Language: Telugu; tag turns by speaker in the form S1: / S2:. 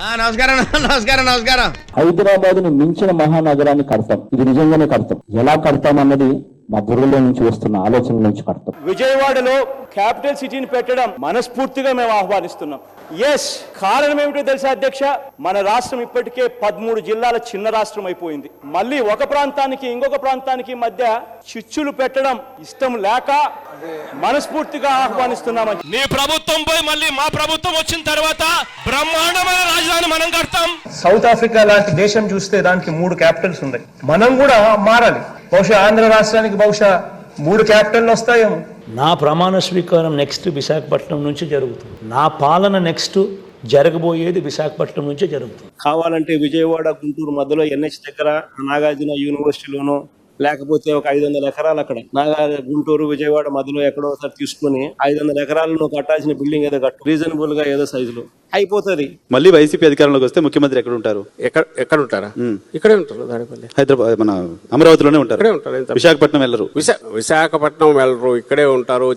S1: నమస్కారం నమస్కారం నమస్కారం.
S2: హైదరాబాద్ ని మించిన మహానగరాన్ని కడతాం. ఇది నిజంగానే కడతాం. ఎలా కడతాం అన్నది మా బుర్రలో నుంచి వస్తున్న ఆలోచన నుంచి కడతాం.
S3: విజయవాడలో క్యాపిటల్ సిటీని పెట్టడం మనస్ఫూర్తిగా మేము ఆహ్వానిస్తున్నాం. ఎస్, కారణం ఏమిటో తెలుసా అధ్యక్ష, మన రాష్ట్రం ఇప్పటికే 13 జిల్లాల చిన్న రాష్ట్రం అయిపోయింది. మళ్ళీ ఒక ప్రాంతానికి ఇంకొక ప్రాంతానికి మధ్య చిచ్చులు పెట్టడం ఇష్టం లేక మనస్ఫూర్తిగా ఆహ్వానిస్తున్నామని.
S4: నీ ప్రభుత్వం పోయి మళ్ళీ మా ప్రభుత్వం వచ్చిన తర్వాత బ్రహ్మాండమైన రాజధాని మనం కడతాం.
S3: సౌత్ ఆఫ్రికా లాంటి దేశం చూస్తే దానికి 3 క్యాపిటల్స్ ఉన్నాయి. మనం కూడా మారాలి. బహుశా ఆంధ్ర రాష్ట్రానికి బహుశా 3 క్యాపిటల్ వస్తాయేమో.
S5: నా ప్రమాణ స్వీకారం నెక్స్ట్ విశాఖపట్నం నుంచి జరుగుతుంది. నా పాలన నెక్స్ట్ జరగబోయేది విశాఖపట్నం నుంచే జరుగుతుంది.
S3: కావాలంటే విజయవాడ గుంటూరు మధ్యలో NH దగ్గర నాగార్జున యూనివర్సిటీలోనో లేకపోతే ఒక 500 ఎకరాలు అక్కడ గుంటూరు విజయవాడ మధ్యలో ఎక్కడో ఒకసారి తీసుకుని 500 ఎకరాలను కట్టాల్సిన బిల్డింగ్ ఏదో కట్టు, రీజనబుల్ గా ఏదో సైజులో అయిపోతుంది.
S6: మళ్ళీ వైసీపీ అధికారంలోకి వస్తే ముఖ్యమంత్రి ఎక్కడ ఉంటారు?
S7: ఎక్కడ ఉంటారా? ఇక్కడే ఉంటారు. దానిపల్లి
S6: హైదరాబాద్ మన అమరావతిలోనే ఉంటారు. విశాఖపట్నం వెళ్ళరు.
S7: విశాఖపట్నం వెళ్ళరు, ఇక్కడే ఉంటారు.